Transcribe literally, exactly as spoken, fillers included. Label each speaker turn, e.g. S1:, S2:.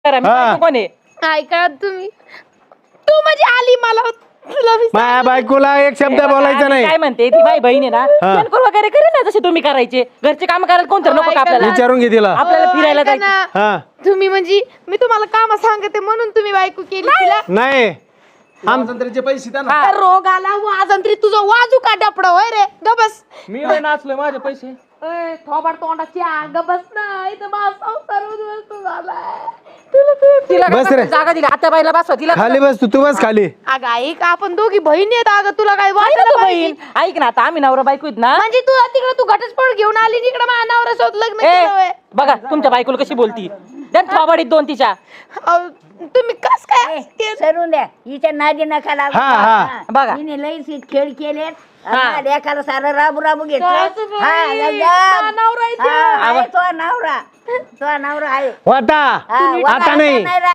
S1: करा मी
S2: हा.
S1: बायको कोण आहे
S3: ऐका तुम्ही तू म्हणजे आली मला तुला मी
S2: माझ्या बायकोला एक शब्द बोलायचा नाही.
S1: काय म्हणते ती माझी बहीण आहे ना शेणखोर वगैरे करे ना जसे तुम्ही करायचे घरचे काम करायला कोणतं नको का आपल्याला
S2: विचारून घे तिला.
S1: आपल्याला फिरायला
S3: ऐका
S1: जायचं
S3: ना.
S2: हा
S3: तुम्ही म्हणजे मी तुम्हाला काम सांगते म्हणून तुम्ही बायको केली तिला
S2: नाही
S4: आमचे पैसे द्या ना.
S1: हा.
S3: रोग आला वाजंत्री तुझं वाजू का डपड होय रे गबस
S4: मी लय नाचलोय माझे पैसे.
S3: थोबाड तोंडाची गबस ना इथं माझा संसार उद्ध्वस्त झालाय
S1: तिला
S2: बस
S1: काय
S2: रे.
S1: जागा दिली आता बाईला बसवा तिला
S2: खाली बस तू तू बस खाली.
S3: अगं ऐक आपण दोघी बहिणी आहेत अगं तुला काय
S1: आहे ना
S3: वाटलं
S1: तू
S3: पाहिजे?
S1: बहीण ऐक ना आता आम्ही नवरा बायको आहेत ना
S3: म्हणजे तू तिकडे तू घटस्फोट घेऊन आली आणि इकडे माझ्या नवऱ्यासोबत लग्न
S1: ए
S3: केलं होय.
S1: बघा तुमच्या बायकोला कशी बोलती देन थोबाडीत दोन तिच्या
S3: अहो, तुम्ही कस काय ते-
S5: सरून द्या हिच्या नादी नका लागू.
S2: हा, हा.
S5: हा.
S1: बघा.
S5: हिने लई सी- खेळ केले
S1: हा.
S5: लेखाला सारं राबू राबू घेतलं
S3: सासूबाई,
S5: हा,
S3: माझा
S5: गजब.
S3: नवरा इथे.
S5: हा, आहे तो नवरा तो नवरा आहे
S2: वाटा
S5: हा,
S2: आता नाही
S5: नाही